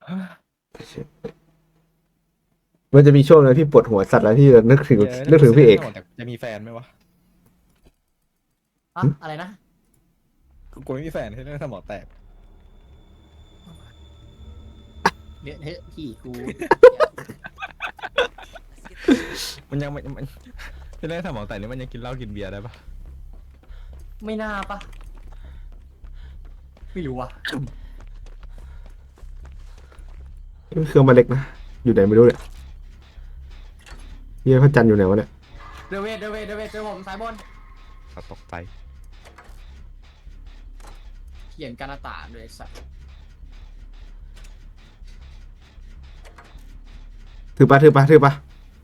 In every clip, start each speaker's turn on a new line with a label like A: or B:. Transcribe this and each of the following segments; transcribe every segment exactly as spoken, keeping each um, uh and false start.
A: มันจะมีช่วงนึงที่ปวดหัวสัตว์แล้วที่นึกถึงนึกถึงพี่เอก
B: แต่จะมีแฟนไหมวะ
C: อะอะไรนะ
B: กูไม่มีแฟนที่เรื่องสมองแตก
C: เดี๋ยวเฮ้ยพี่กู
B: มันยังมันที่เรื่องสมองแตกนี่มันยังกินเหล้ากินเบียร์ได้ปะ
C: ไม่น่าปะไม่รู้ว่ะ
A: เครื่องมาเล็กนะอยู่ไหนไม่รู้เนี่ยเฮียพระจันทร์อยู่ไหนวะเนี่ย
C: เดเวทเดเวทเดเวทเจอผมสายบน
B: เขาตกใจ
C: เขียนการตาด้วยสัตว์
A: ถือปะถือปะถือปะ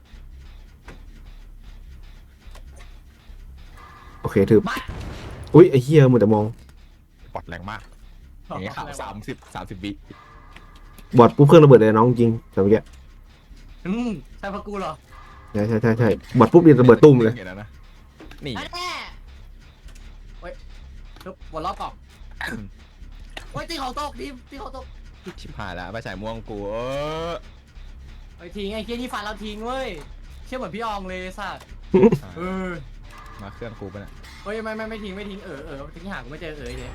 A: โอเคถืออุ้ยไอ้เฮียมึงแต่มอง
B: ปอดแรงมากอย่างเงี้ยข่าวสามสิบสามสิบวิ
A: บอดปุ๊บเครื่องระเบิดเลยน้องจริงแต่เมื่อกี้
C: อืมใช่พระกูเหรอ
A: ใช่ใช่ใช่ใช่บอดปุ๊บเรียนระเบิดตุ้มเลย
B: ห็นแล้วนะนี่
C: แน่เฮ้ยทุบวนรอบกล่องเฮ้ยตีเขาตกทีมตีเขาตก
B: ชิบหายแล้วไปฉายม่วงกูเออ
C: เฮ้ยทิ้งไอ้เคียนี่ฟันเราทิ้งเว้ยเชื่อเหมือนพี่อองเลยสัตว์เออ
B: มาเครื่องกูไปะเนี่ย
C: เฮ้ยไม่ไม่ไม่ทิ้งไม่ทิ้งเออเออทิ้งหางกูไม่เจอเออเลย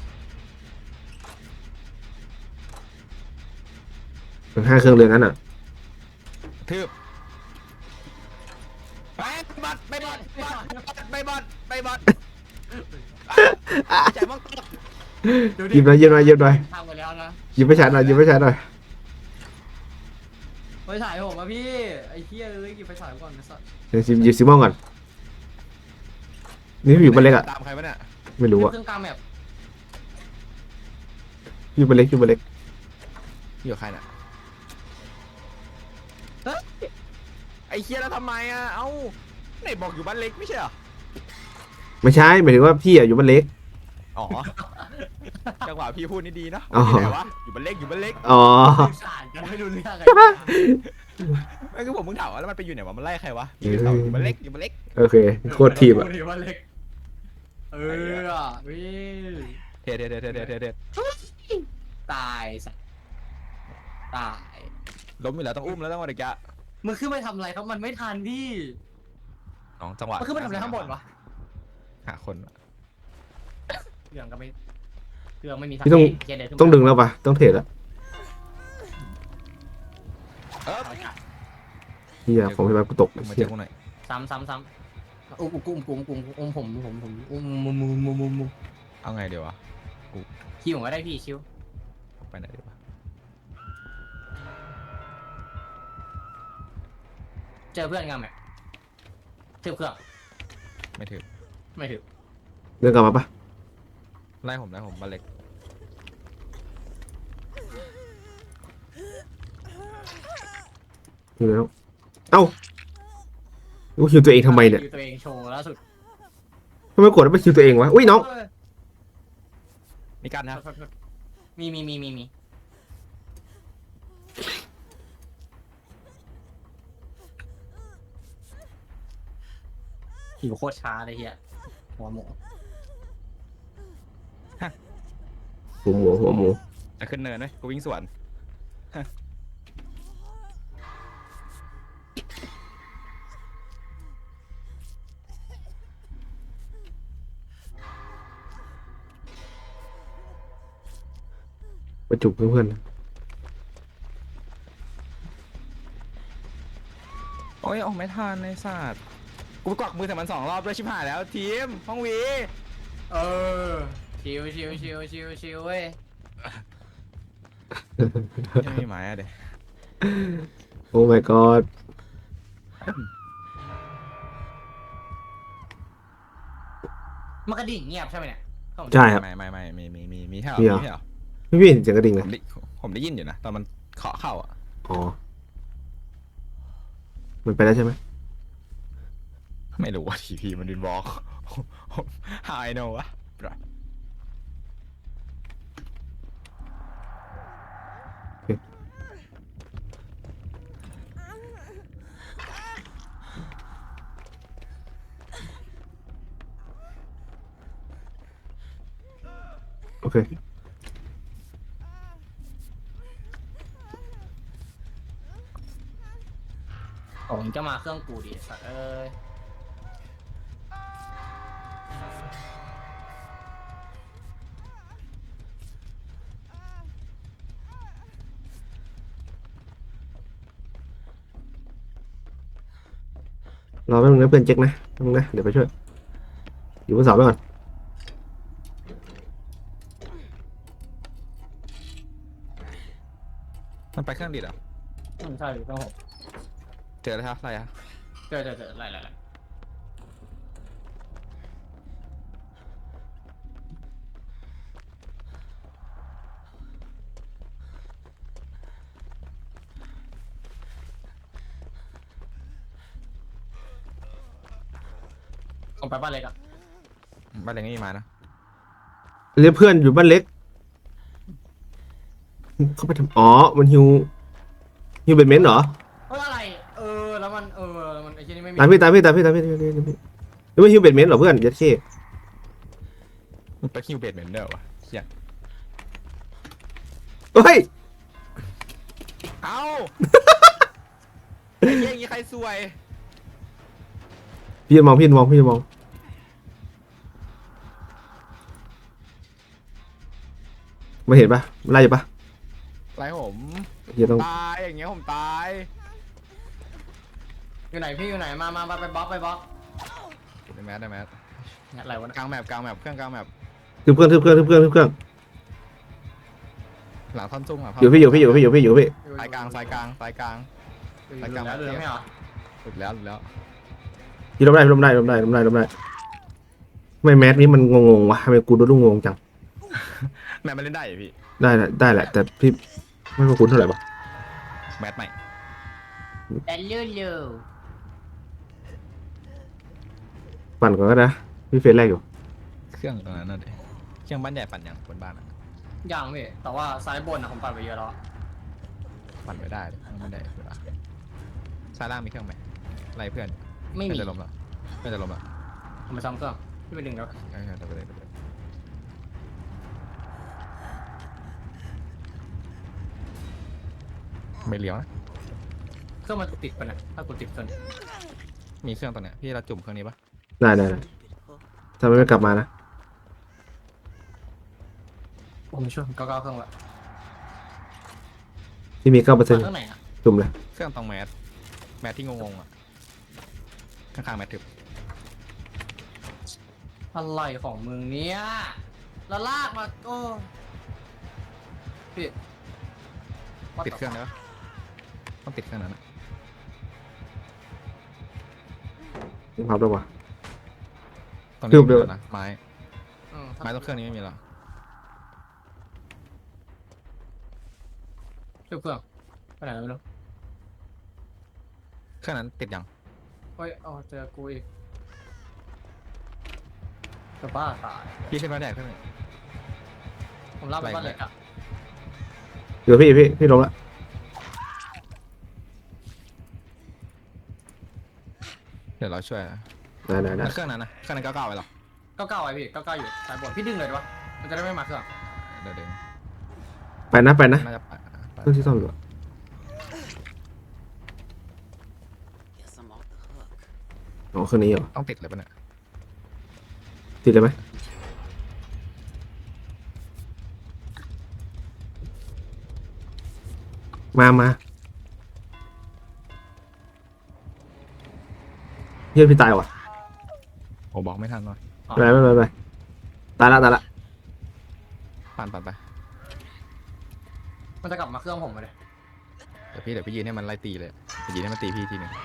A: ห้าเครื่องเลยนั้นอ่ะ
B: ทืบไปบอดไปบอดไปบอดไปบอดฉายม่วงตก
A: หยิบหน่อยหยิบหน่อยหยิบหน่อย
C: ทำกันแล้วนะ
A: หยิบไปชาร์จหน่อยหยิบไปชาร์จหน่อย
C: ไปฉายผมอะพี่ไอ้เคียเอ้ยหยิบไปฉายก่อนนะสัตว์
A: เดี๋ยวหยิบหยิบซิมอนก่อนนี่อยู่บ้านเล็กอ่ะ
B: ตามใครวะเนี่ย
A: ไม่รู้อ่ะ
C: เครื่องกลางแบบ
A: อยู่บ้านเล็กอยู่บ้านเล็ก
B: อยู่ใครน่ะไอ้เคียแล้วทำไมอ่ะเอ้าไหนบอกอยู่บ้านเล็กไม่ใช่เหรอ
A: ไม่ใช่หมายถึงว่าพี่อ่ะอยู่บ้านเล็ก
B: อ๋อจังหวะพี่พูดนี่ดีเนาะ
A: อ๋อ
B: ที่ไหนวะอยู่บ้านเล็กอยู่บ้านเล็ก
A: อ๋อ
C: สื่อสารกันไม่รู้เรื่องอะไร
B: ไม่คือผมมึงถามว่าแล้วมันไปอยู่ไหนวะมันไล่ใครวะอยู่เสาอยู่บ้านเล็กอยู่บ้านเล็ก
A: โอเคโคตรทีมอ่ะ
C: พูดดีว่าเล็กเอออ่ะวิ
B: เทเทเทเทเทเทเท
C: ตายสัตว์ตาย
B: ล้มอยู่แล้วต้องอุ้มแล้วต้องอะไรกะ
C: มึงขึ้นไปทำอะไรครับมันไม่ทันพี่
B: น้องจังหวะ
C: มันขึ้นไปทำอะไรข้างบนวะ
B: หาคน
C: เครื่องก็ไม่เครื่องไม่มี
A: พี่ต้อง
C: เกียร์เดินขึ้น
A: ต้องดึงแล้วปะต้องเทรดแล้ว
B: เออ
A: เฮียผมให้มากูตก
B: มา
A: เฮี
B: เจ
A: ย
B: อกูหน่อย
C: ซ้ำซ้ำซ้ำอุ้มอุ้มอุ้มอุ้มอุ้มผมผมผมอุ้มมุมมุมมุมมุมมุม
B: เอาไงเดี๋ยววะ
C: คิวผมก็ได้พี่คิว
B: ไปไหนดีวะ
C: เจอเพื่อนกันไหมถือเครื่อง
B: ไม่ถึง
C: ไม่ถือ
A: เดินกลับมาปะ
B: ไล่ผมไล่ผมบ้านเล็ก
A: อยู่แล้วเอ้ากูคิวตัวเองทำไมเนี่ย
C: คิวตัวเองโชว์ล่าสุด
A: ทำไมกดแล้วไปคิวตัวเองวะอุ้ยน้อง
B: มีกันนะ
C: มีมีมีมีมีหิวโคตรช้าเลยเฮียหัวหมู
A: หัวหมูหัวหมู
B: จะขึ้นเนินไหมกูวิ่งสวน
A: ประจุเพื่อน
B: โอ้ยออกไม่ทันในศาสตร์กูกวักมือแต่มันสองรอบด้วยชิบหายแล้วทีมห้องวี
C: เออชิวชิวชิวชิวชิวเว้ย
B: ยังมีหมายอะเดี๋ยว
A: โอ้ my god
C: มันกระดิ่งเงียบใช่ไหมเนี่ย
A: ใช่ครับ
B: ไม่ไม่ไม่มีมีมีมีแค่
A: มีเหรอ
B: มีแค่เหรอ
A: พี่พี่เห็นเสียงกระดิ่ง
B: ผ
A: เลย
B: มได้ผมได้ยินอยู่นะตอนมันเคาะเข้าอ่ะ
A: อ๋อมันไปแล้วใช่ไหม
B: ไม่รู้ว่าทีพีมันดินบอก How I know วะ
A: โอเค
C: ผมจะมาเครื่องกูดิสัตว์เอ้ย
A: รอแป๊บนึงนะเพื่อนเจ๊กนะแป๊บนึงนะเดี๋ยวไปช่วยอยู่บนเสาไปก่อน
B: มันไปเครื่องดิดเหรอ
C: อืมใช่เครื่องผม
B: เจอแล้วครับอะไรอะ
C: เจอเจอเจออะไรอะไรอะไร ผมไปบ้านเล็กอะ
B: บ้านเล็กไม่มีมานะ
A: เรียกเพื่อนอยู่บ้านเล็กเขาไปทำอ๋อมันฮิวฮิวเบดเมนต์เหรอ
C: เฮ้ยอะไร เออ แล้วมัน เออแล้วมันไอ้ที่นี่ไม่มี
A: ตามพี่ตามพี่ตามพี่ตามพี่ตามพี่ตามพี่หรือว่าฮิวเบดเมนต์เหรอเพื่อนยัดเข้
B: มันไปคิวเบดเหมือนเดิมวะเชี่ย
A: เฮ้ย
B: เอ้า ไอ้เหี้ยอย่างงี้ใครซวย
A: พี่จะมองพี่จะมองพี่จะมองมาเห็นปะมันไล่อยู่ปะ
B: ไรผม
A: เฮียต้อง
B: ตายอย่างเงี้ยผมตาย
C: อยู่ไหนพี่อยู่ไหน มามามาไปบล็อกไปบล็อก
B: ได้แมสได้แมส
C: เนี่ยอะไรวะเนี่ย
B: กลางแมปกลางแมปเครื่องกลางแมป
A: ทึบเครื่องทึบเครื่องทึบเครื่องทึบเครื่อง
B: หลังท่อนซุ่มอ่ะ
A: อยู่พี่อยู่พี่อยู่พี่อยู่พี่อยู่พี่
B: สายกลางสายกลางสายกลาง
C: อยู่อยู่แล้วอยู่แล้วไม่เหรอ
B: หลุดแล้วหลุดแล้ว
A: พี่ล้มได้พี่ล้มได้ล้มได้ล้มได้ล้มได้ทำไมแมสนี้มันงงๆวะทำไมกูดูดูงงจัง
B: แมปมันเล่นได้เหรอพี่
A: ได้แหละได้แหละแต่พี่ไม่ค่อยคุ้นเท่าไหร่ปะ
B: แมปใหม่
C: แต่เลื่อนเร็ว
A: ปั่นก่อนก็ได้พี่เฟสแรกอยู่
B: เครื่องตรงนั้นน่ะดิเครื่องบ้านใหญ่ปั่นยังบนบ้านอ่ะ
C: ยังพี่แต่ว่าซ้ายบนนะผมปั่นไปเยอะแล้วอะ
B: ปั่นไม่ได้เลยเครื่องบ้านใหญ่เวลาซ้ายล่างมีเครื่องไหมไล่เพื่อน
C: ไม่มี
B: เพื่อนจะล้มแล้วเพื่อนจะล้มแล้ว
C: ผมไปซ้ำเครื่องพี่ไปดึงแล้ว
B: ใช่ใช่ไปเลยไปเลยไม่เลี้ยวนะ
C: เครื่องมันติดไปนะถ้ากูติดเครื่อง
B: มีเครื่องตรงเนี้ยพี่เราจุ่มเครื่องนี้ปะ
A: ได้ได้ได้ทำไมไม่กลับมานะ
C: ผมช่วยเก้าเก้าเครื่องละ
A: ที่มีเก้าเปอร์เซ็นต์
C: เครื่องไหนอะ
A: จุ่มเลย
B: เครื่องตรงแมสแมสที่งงๆอ่ะข้างๆแมสทึบ
C: อะไรของมึงเนี่ยแล้วลากมาโอ้พี่
B: ติดเครื่องได้ปะต้องติดเครื่องนั้นอะ
A: ยังพับด้วยวะ
B: ตรง
A: ทึ
B: นี้
A: บเดียว
B: ไม่มีแล้วนะไม้
C: อืม
B: ไม้ตรงเครื่องนี้ไม่มีแล้ว
C: ช่วยเครื่องไปไหนไม่รู้
B: เครื่องนั้นติดยัง
C: เฮ้ยเอาเจอกูอีกจะบ้าตาย
B: พี่ขึ้นมาแดกเครื่องหนึง
C: ผมลากไปบ้านเล็กอะ
A: เดี๋ยวพี่พี่พี่ลงละ
B: เดี๋ยวเราช่วยนะ
A: ได้ได้ได้
B: แล้วเครื่องนั้นนะเครื่องนั้นเก้าเก้าไปหรอ
C: เก้าเก้าไว้พี่เก้าเก้าอยู่สายบนพี่ดึงเลยดีวะมันจะได้ไม่มาเครื่อง
B: เดี๋ยวเดี๋ยว
A: ไปนะไปนะ
B: น่าจะไปไป
A: เครื่องที่ซ่อมอยู่อะ
D: Guess I'm off the hook.
A: อ๋อเครื่องนี้เหรอ
B: ต้องติดเลยปะเนี่ย
A: ติดเลยไหมมามาเฮียพี่ตายว่ะ
B: โอ้บอกไม่ทันว่ะ
A: ไปไปไปไปตายละตายละ
B: ปั่นปั่นไป
C: มันจะกลับมาเครื่องผมเลย
B: เดี๋ยวพี่เดี๋ยวพี่ยืนให้มันไล่ตีเลยเดี๋ยวยืนให้มันตีพี่ทีหนึง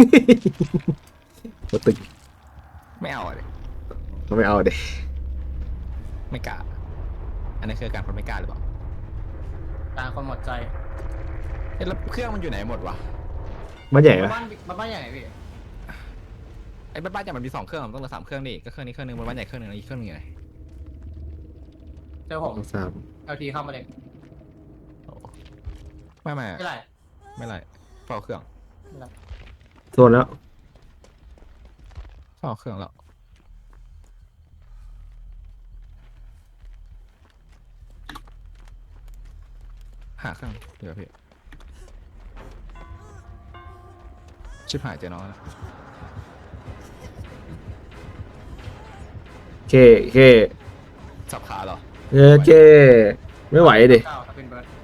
A: มาตึก
B: ไม่เอาอะเลย
A: เราไม่เอาเด็
B: ไม่กล้าอันนี้คือการคนไม่กล้าหรือเปล่า
C: การคนหมดใจ
B: เอ๊ะแล้วเครื่องมันอยู่ไหนหมดวะ
A: บ้านใหญ่ปะ
C: บ้านบ้านใหญ่พี่
B: ไอ้บ้านบ้านใหญ่มันมีสองเครื่องมันต้องเหลือสามเครื่องดิก็เครื่องนี้เครื่องหนึงบนบ้านใหญ่เครื่องหนึงแล้วอีกเครื่องหนึงอยู่ไหน
C: เจอผม
A: สาม
C: เอลทีเข้ามาเลย
B: โอ้ไม่ไม่
C: ไม่ไร
B: ไม่ไรเฝ้าเครื่อง
C: ไม่ไร
A: โซนแล้ว
B: เฝ้าเครื่องแล้วหาเครื่องเดี๋ยวพี่ชิบหายเจอน้องนะ
A: เคเค
B: สับขาเหรอ
A: เออเคไม่ไหวดิ
C: เก้าถ้าเป็นเบิร์ด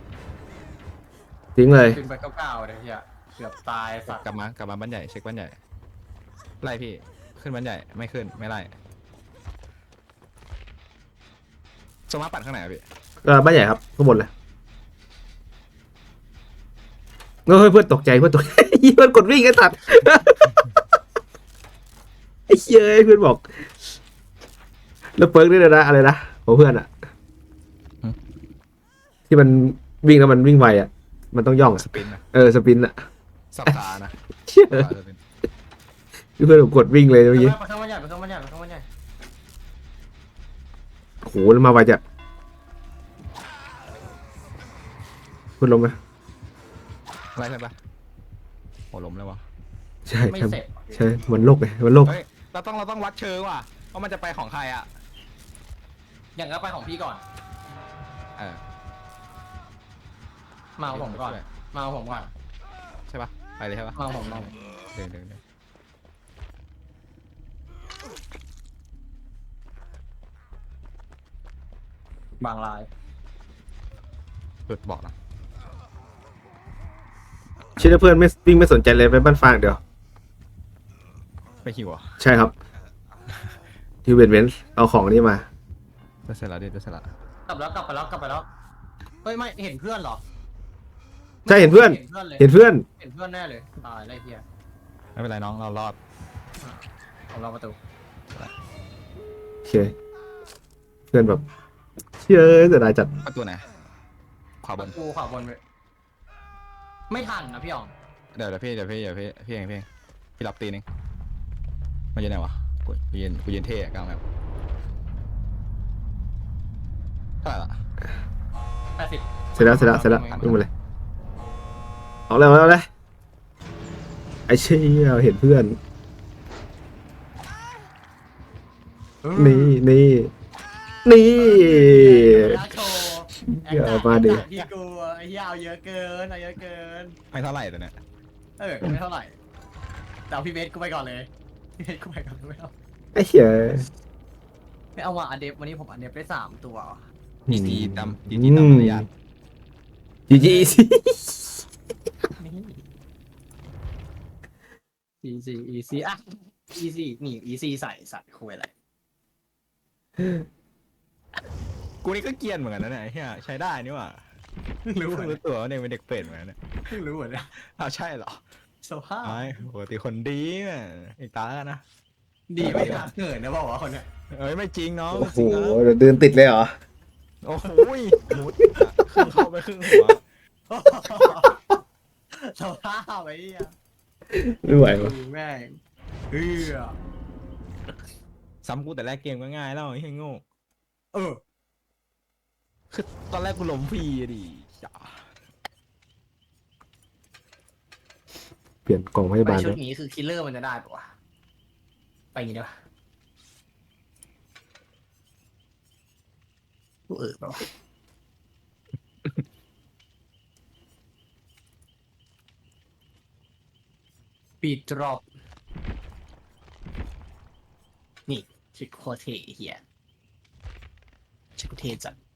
A: ทิ้งเลย
C: เป็นเบิร์ดเก้าเก้าเลยเฮียเกือบตายสัตว์
B: กลับมากลับมาบ้านใหญ่เช็คบ้านใหญ่ไล่พี่ขึ้นบ้านใหญ่ไม่ขึ้นไม่ไล่สมาปัดข้างไหนอะพี่
A: เออบ้านใหญ่ครับข้างบนเลยเฮ้ยเพื่อนตกใจเพื่อนตกใจ เพื่อนกดวิ่งไอ้สัตว์ ไอ้เหี้ยเพื่อนบอก แล้วเปิร์กนี่เลยนะอะไรนะของเพื่อนอะที่มันวิ่งแล้วมันวิ่งไวอะมันต้องย่องอะ
B: สปินนะ
A: เออสปินอะ
B: สับขานะ
A: เชี่ย
B: สับขาสปิน
A: เพื่อนผมกดวิ่งเลยเมื่อกี้
C: ไปข้างมันใหญ่ไปข้างมันใหญ่ไปข้างมันใหญ่
A: โอ้โหแล้วมาไวจัดเพื่อนลงไหม
B: ไล่เพื่อนปะโอ้ล้มเลยวะ
A: ใช่
C: ไม่
A: ใช่
C: เสร็จ
A: ใช่มันโลกไงมันโลก
B: เฮ้ยเราต้องเราต้องวัดเชิงว่ะว่ามันจะไปของใครอ่ะ
C: อย่างก็ไปของพี่ก่อน
B: เออ
C: มาเอาผมก่อนมาเอาผมก่อน
B: ใช่ปะไปเลยใช่ปะ
C: มาเอาผมมา
B: เดินเดินเดิน
C: บางลาย
B: หลุดบอกนะ
A: เชื่อเพื่อนไม่วิ่งไม่สนใจเลยไปบ้านฟางเดี๋ยว
B: ไปหิวอ่ะ
A: ใช่ครับ ที่เวนเวนเอาของนี่มา
B: จะเสร็จแล้วดิจะเสร็จแล้ว
C: กลับแล้วกลับไปแล้วกลับไปแล้วเฮ้ยไม่เห็นเพื่อนเหรอ
A: ใช่เห็นเพื่อน
C: เห็นเพื่อนเลย
A: เห็นเพื่อน
C: เห็นเพื่อนแน่เลยตายไรเฮีย
B: ไม่เป็นไรน้องเรารอด
C: ผมรอประตู
A: โอเคเพื่อนแบบเชื่อเสียดายจัด
B: ประตูไหนขวาบ
C: ประ
B: น
C: ตูขวาบนไปไม่ทันนะพี่อ๋อง
B: เดี๋ยวเดี๋ยวพี่เดี๋ยวพี่เดี๋ยวพี่พี่เองพี่เองพี่รับตีนึงมันยืนไหนวะกูกูยืนกูยืนเท่อะกลางแบบเท่าไหร่ละ
C: แปดสิบ
A: เสร็จแล้วเสร็จแล้วเสร็จแล้ววิ่งมาเลยเอาเลยเอาเลยไอ้เชี่ยเห็นเพื่อน นี่นี่นี่
C: โชว์
A: เดี๋ยวมาดิ
C: พี่กูไอ้เหี้ยเอาเยอะเกินเอาเยอะเกิน
B: ไม่เท่าไหร่ตัวเนี้ย
C: เออไม่เท่าไหร่แต่เอาพี่เบสกูไปก่อนเลยพี่เบสกูไปก่อนไม่เอา
A: ไอ้เหี้ย
C: ไม่เอาว่ะอันเดฟวันนี้ผมอันเดฟได้สามตัว
B: จีจีดำจีจีดำมารยาท
A: จีจีสิ
C: อีซีอีซีอ่ะอีซีนี่อีซีใส่สัตว์คุยอะไร
B: กูนี่ก็เกรียนเหมือนกันนะเนี่ยไอ้เฮียใช้ได้นี่หว่า
C: เพิ่งรู้เหมือน
B: รู้ตัวว่าเนี่ยเป็นเด็กเป็ดเหมือนกันเนี่ย
C: เพิ่งรู้เหมือนกัน
B: อ้าวใช่เหรอ
C: สภาพ
B: ไอ้ปกติคนดีเนี่ยอีกตาแล้วนะ
C: ดีไม่ทักเกินนะบอกว่าคนเนี้ย
B: เอ้ยไม่จริงน้อง
A: โอ้โห
B: จริงนะ
A: เดี๋ยวเดินติดเลยเหรอ
B: โอ้โหมุดอะครึ่งเข้าไปครึ่งหัว
C: สภาพไอ้เหี้ย
A: ไม่ไหววะ
C: แม่งเฮ้ย
B: ซ้ำกูแต่แรกเกมก็ง่ายแล้วไอ้เฮียโง่
C: เออ
B: คือตอนแรกกูล้มฟรีอะดิจ้า
A: เปลี่ยนกล่องพยา
C: ไป
A: บาล
C: ชุ
A: แล้
C: ด
A: ว
C: นี้คือคิลเลอร์มันจะได้ปะวะไปอย่างงี้ได้ปะกูเออปะวะปีดรอบนี่ชิคโคตรเทเฮียชิคโคตรเทจัด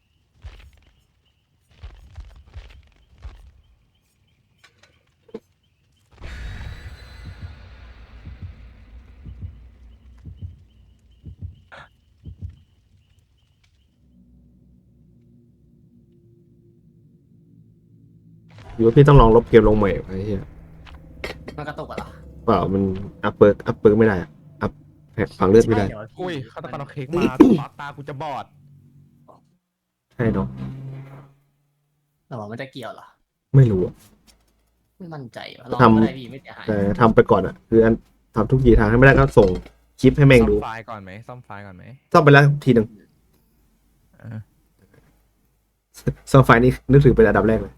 A: หรือว่าพี่ต้องลองลบเกมลงใหม่ไอ้เหี้ย
C: มันกระตุกอะเหรอ
A: เปล่ามันอัพเปิร์กอัพเปิร์กไม่ได้อะอัพแผลฝังเลือดไม่ได้
C: ใช่เหร
B: อุ้ยฆาตกรเอาเค้กมาตาตากูจะบอด
A: ใช่เนาะ
C: แต่ว่ามันจะเกี่ยวเหรอ
A: ไม่รู้อะ
C: ไม่มั่นใจว่ะลอง
A: ทำ
C: ก็ได้พี่ไม่เสียหาย
A: แต่ทำไปก่อนอ่ะ คืออันทำทุกทีทางให้ไม่ได้ก็ส่งคลิปให้แม่ง
B: ซ่อม
A: ดู
B: ไฟล์ก่อนไหมซ่อมไฟล์ก่อนไหม
A: ซ่อมไปแล้วทีหนึ่ง
B: เออ
A: ซ่อมไฟล์นี่นึกถึงเป็นอันดับแรกเลย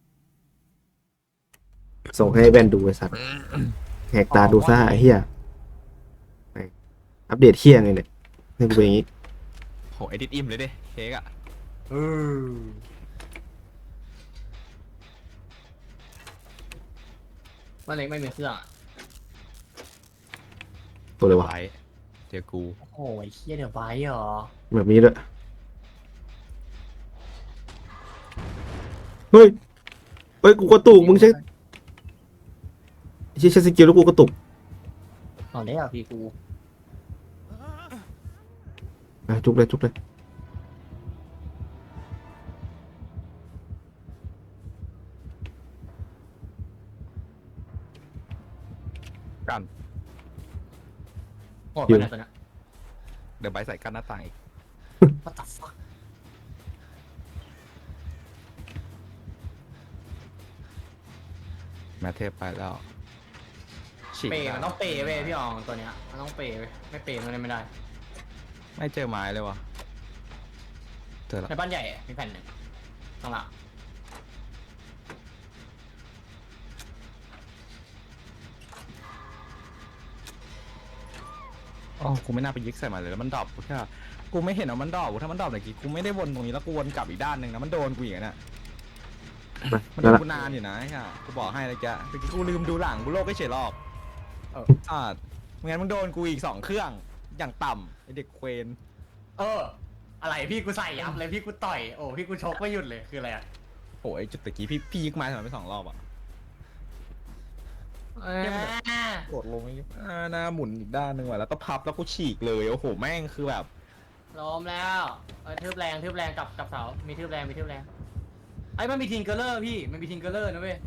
A: ส่งให้แว่นดูไอ้สัตว์แหกตาดูซ่าไอ้เหี้ยอัปเดตเหี้ยไงเนี่ยนี่กูเป็นอย่างงี้
B: โหเอดิตอิ่มเลยดิเค้กอะ
C: เออมันเล็กไม่มีเครื่องอะ
A: ตัวเลยวะ
B: ไว้เจอกู
C: โอ้ยเฮียเดี๋ยวไว้เหรอ
A: แบบนี้ด้วยเฮ้ยเฮ้ยกูกระตุกมึงใช้ใช้ใช้สกิลแล้วกูกระตุก
C: เอาได้อ่ะพี่กู
A: อ่ะจุกเลยจุกเลย
B: กัน
C: โหดไปไหนตัวเนี้ย
B: เดี๋ยวใบใส่กันหน้าต่างอีก
C: What the fuck
B: แมทเทพไปแล้วฉีก
C: เปย์
B: ได้
C: มันต้องเปย์เว้ยพี่อองตัวเนี้ยมันต้องเปย์เว้ยไม่เปย์มันเล่นไม่ได้
B: ไม่เจอไม้เลยวะเจอแล้ว
C: ในบ้านใหญ่มีแผ่นหนึ่งข้างหลัง
B: อ๋อกูไม่น่าไปยิกใส่มันเลยแล้วมันดรอปกูแค่กูไม่เห็นว่ามันดรอปกูถ้ามันดรอปเมื่อกี้กูไม่ได้วนตรงนี้แล้วกูวนกลับอีกด้านหนึ่งนะมันโดนกูอย่างนั้นอ่ะ
A: มา
B: มัน
A: ได้
B: โดน
A: ละ
B: กูนานอยู่นะไอ้ค่ะกูบอกให้เลยแกเมื่อกี้กูลืมดูหลังกูโลกไม่เฉยหรอกเอออ่าไม่งั้นมึงโดนกูอีกสองเครื่องอย่างต่ำไอเด็กเควน
C: เอออะไรพี่กูใส่ยับเลยพี่กูต่อยโอ้พี่กูชกไม่หยุดเลยคืออะไรอ่ะ
B: โอ้ยจุดตะกี้พี่พี่ยิกไม้ทำไมไม่สองรอบอ่ะ กดลงอีกอ่าหน้าหมุนอีกด้านหนึ่งว่ะแล้วก็พับแล้วก็ฉีกเลยโอ้โหแม่งคือแบบ
C: ล้มแล้วเออทืบแรงทืบแรงกับกับเสามีทืบแรงมีทืบแรงไอ้มันมีทิงเกอร์เลอร์พี่มันมีทิงเกอร์เลอร์นะเว้ย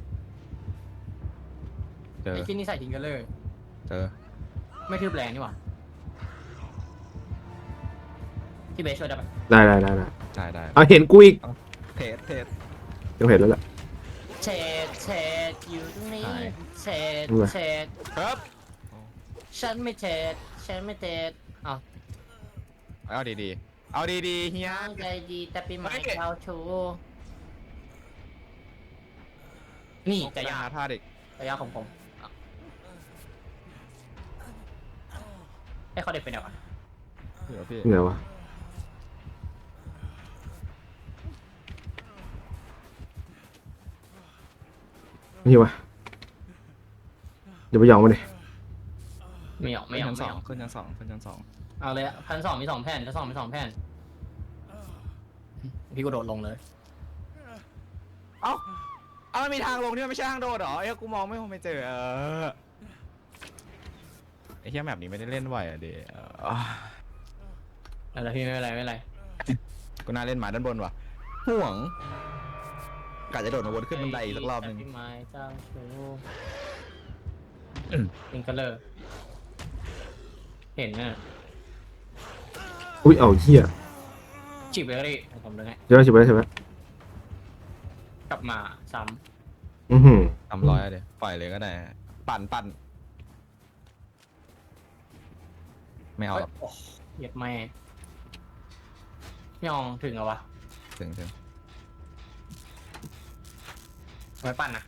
B: เจอ
C: ไอ้ที่นี่ใส่ทิงเกอร์เลอร์
B: เจอ
C: ไม่ทืบแรงนี่หว่าพี่เบสช่วยได้ปะ
A: ได้ได้ได้ได้
B: ได้ได้
A: เอาเห็นกูอีก
B: เทสเทส
A: ยังเห็นแล้วแหละ
C: เชดเชดอยู่ตรงนี้
B: ใช่
C: เชด
A: รู้ไหม
C: เชด
B: ครับ
C: ฉันไม่เชดฉันไม่เชดอ้าว
B: เอาดีๆเอาดีๆเฮีย
C: ตั้งใจดีแต่ปีใหม่
B: เฮ้ย
C: เข้าชูนี่จะยา
B: หาท่าเด็ก
C: จะยาของผมอ่ะให้เขาเด็กเป็นยังไง
B: เดี๋ยวพี่
A: เหนื่อยวะนี่วะเดี๋ยวไปยองมาดิ
C: ไม่หยอกไม่
B: ขึ้น
C: หยอก
B: ชั้น
C: ไม่
B: ส
C: ห
B: อย ง
C: อก
B: ขึ้นชั้นสองขึ้นชั้นสอง
C: เอาเลยพันสองมีสองแผ่นชั้นสองมีสองแผ่นพี่ก็โดดลงเลย
B: เอ้าเอามันมีทางลงที่มันไม่ใช่ทางโดดเหรอเอ้ยกูมองไม่ไม่เจอเออไอ้เฮียแบบนี้ไม่ได้เล่นไหวอ่ะเดี๋ยว
C: อะไรพี่ไม่เป็นไรไม่เป็นไร
B: กูน่าเล่นหมาด้านบนว่ะห่วงกะจะโดดมาวนขึ้นบันไดอีกสักรอบหนึง
C: พี่ไม้เจ้าชู
B: อืม
C: ลิงเกอร์เลอร์เห็นน่ะ
A: อุ้ยเอาเหี้ย
C: จีบไปก็ได้ผมเลยไง
A: ใช่ไหมใช่ไหมใช่ไหม
C: กลับมาซ้
A: อือหือ
B: ทำร้อยอะเดี๋ยวปล่อยเลยก็ได้ ปั่นปั่นไม่
C: ำ
B: เอาหรอก
C: โอ้เหยียดแม่ยองถึงเหรอวะ
B: ถึงถึง
C: ไว้ปั่นนะ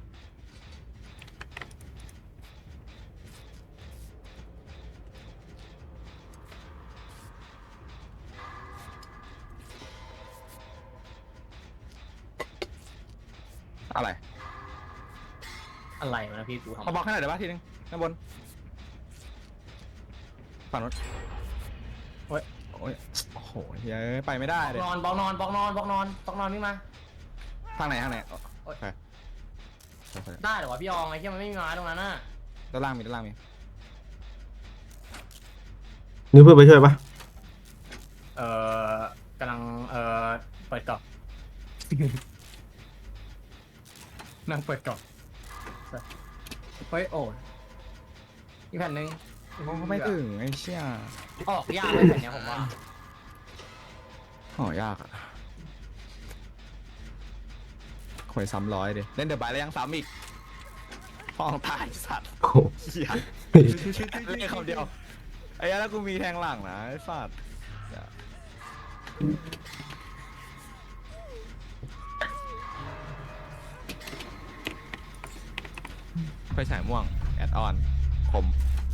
B: อะไร
C: อะไรวะนะพี่กูทำ
B: มาบอกขนาดเดี๋ยวบ้าทีนึงด้านบนฝั่งนู้นโอ้ยโอ้ยโอ้โหเฮ้ยไปไม่ได้เลย
C: นอนบอกนอนบอกนอนบอกนอนบอกนอนวิ่งมา
B: ทางไหนทางไหนโอ
C: โอ๊ย
B: เคโอเค
C: ได้เหรอวะพี่ยองไอ้ที่มันไม่มีไม้ตรงนั้นน่ะ
B: ด้านล่างมีด้านล่างมี
A: นี่เพื่อนไปช่วยปะ
C: เอ่อกำลังเอ่อเปิดกล่อง นั่งเปิดกล่องเฮ้ยโอ้ยอีกแผ่นหนึ่ง
B: โอ้ไม่ถึงไอ้เชี่ย
C: ออกยากเลยแผ่นเนี้ยผมว่า
B: โอ้ยากอะควยซ้ำร้อยดิเล่นเดอะบายแล้วยังซ้ำอีกฟองตายสัตว์
A: โอ้โห
B: เหี้ยเล่นคำเดียวไอ้ยันแล้วกูมีแทงหลังนะไอ้สัตว์ไฟฉายม่วงแอดออนคม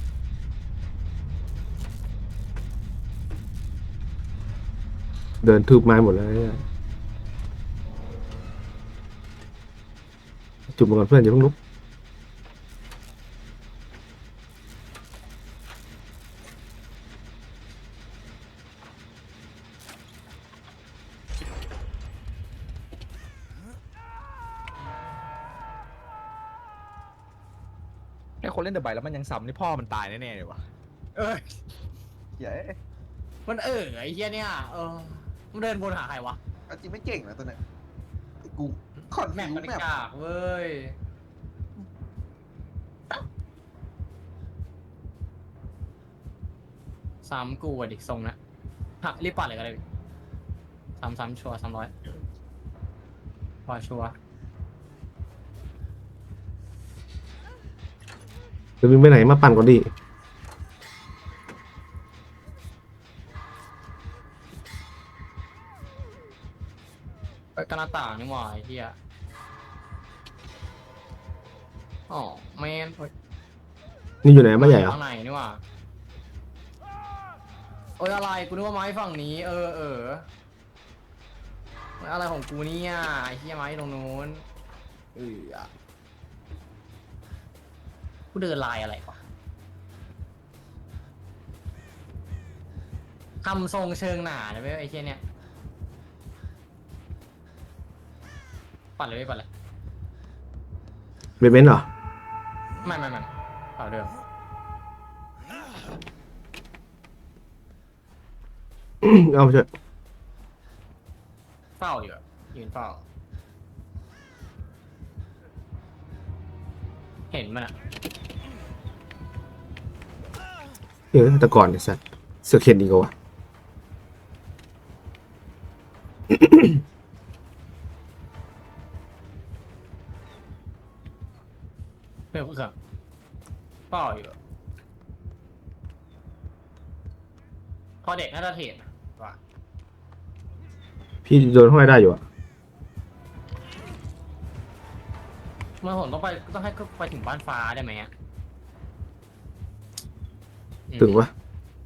A: เดินทืบไม้หมดแล้วเนี่ยจุบมาก่อนเพื่อนอย่าเพิ่งลุก
B: คนเล่นเดอะไบแล้วมันยังซ้ำนี่พ่อมันตายแน่ๆเลยวะ
C: เอ้ย
B: เย้
C: มันเออไอ้เหี้ยเนี่ยเออมันเดินวนหาใครวะ
E: เอาจริงไม่เก่งนะตัวเนี้ยไอ้กูคอน
C: แม
E: ฟิ
C: ป
E: ว
C: มัน
E: แมป
C: กากเว้ยซ้ำกูอ่ะดิทรงนะฮะรีบปัดเลยก็ได้ซ้ำซ้ำชัวร์ซ้ำร้อยพอชัวร์
A: จะวิ่งไปไหนมาปั่นก่อนดิ
C: ไปกระหน้าต่างนี่หว่าไอ้เหี้ยอ๋อแมนเฮ้ย
A: นี่อยู่ไหนไม่ใหญ่เหรอ
C: ข้างในนี่หว่าโอ้ยอะไรกูนึกว่าไม้ฝั่งนี้ เออเอออะไรของกูเนี่ยไอ้เหี้ยไม้ตรงนู้นเออกูเดินลายอะไรวะทำทรงเชิงหนาเลยเว้ยไอ้เหี้ยเนี่ยปัดเลยไม่ปัดเลย
A: เบนเบนเหรอ
C: ไม่ไม่ไม่เปล่าเดิม
A: เอาเถอะ
C: เฝ้าอยู่อะยืนเฝ้า เห็นมันอะ
A: เออแต่ก่อนไอ้สัตว์เสือกเห็นดีกว่าวะ
C: เพื่อนเพื่อนเฝ้าอยู่อะพอเด็กน่าจะเห็นว่ะ
A: พี่โดนห้อยได้อยู่อะ
C: เมื่อผมต้องไปต้องให้ไปถึงบ้านฟ้าได้ไหมอะอืม
A: ถึงวะ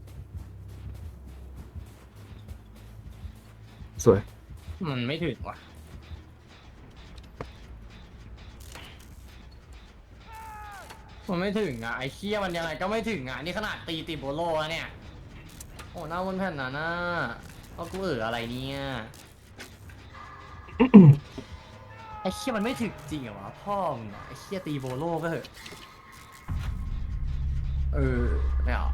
A: สวย
C: มันไม่ถึงว่ะ มันไม่ถึงอ่ะไอ้เคี้ยมันยังไงก็ไม่ถึงอ่ะนี่ขนาดตีติโบโลแล้วเนี่ยโอ้หน้าบนแผ่นน่ะน่าเอากูเอออะไรเนี่ยไอ้เคี้ยมันไม่ถึงจริงเหรอวะพ่อมึงอะไอ้เคี้ยตีโบโลก็เถอะเออไม่เอา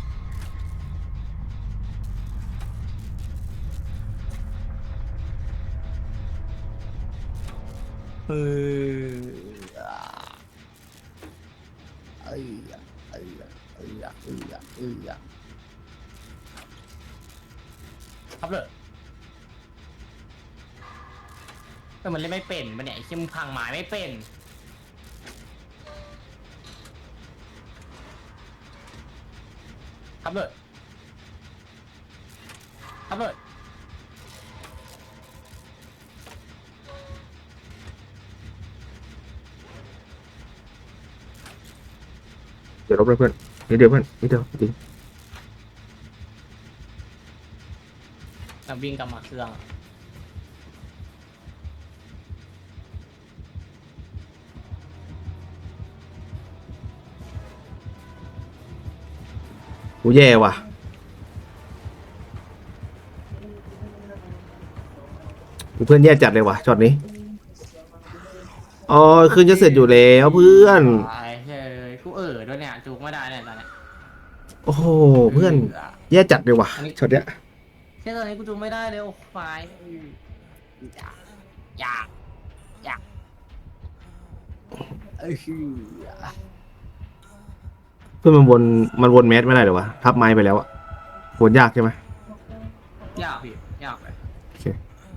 C: เออเอ้ยเอ้ยเอ้ยเอ้ยเอ้ยครับเลยแต่มันเล่นไม่เป็นปะเนี่ยไอ้เชี่ยมึงพังหมายไม่เป็นครับเลยครับเลย
A: เดี๋ยวลบเลยเพื่อนนิดเดียวเพื่อนนิดเดียวจริง
C: แล้ววิ่งกลับมาเครื่อง
A: กูแย่ว่ะกูเพื่อนแย่จัดเลยว่ะช็อตนี้อ๋อคืนจะเสร็จอยู่แล้วเพื่อน
C: ไอ้เฮ้ยกูเออด้วยเนี่ยจูกไม่ได้เนี่ยตอนเนี้ย
A: โอ้โหเพื่อนแย่จัดเลยว่ะช็อตเนี้ย
C: แค่ตอนนี้กูจูกไม่ได้เลยโอ้ไฟอยากอยากอยากเออ
A: เพื่อนมันวนมันวนแมสไม่ได้เหรอวะทับไม้ไปแล้วอะวนยากใช่ไหม
C: ยากพี่ยากเลย
A: โอเค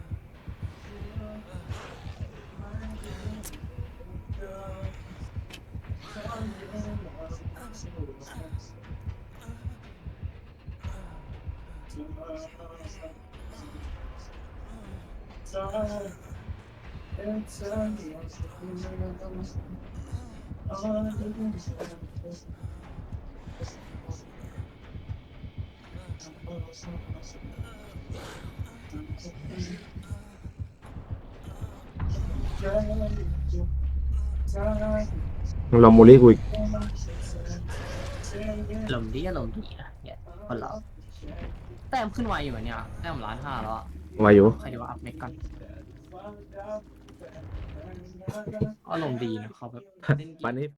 A: มึงลองโมลี่กูอีก
C: ลมดีอารมณ์ดีนะเนี่ยคนเราแต้มขึ้นไวอยู่เหมือนเนี่ยแต้มล้านห้าแล้วอะ
A: วายุ
C: ใครดูว่าอัพเน็กกันอารมณ์ดีนะเขาแบบเล่นเกม
A: วันนี้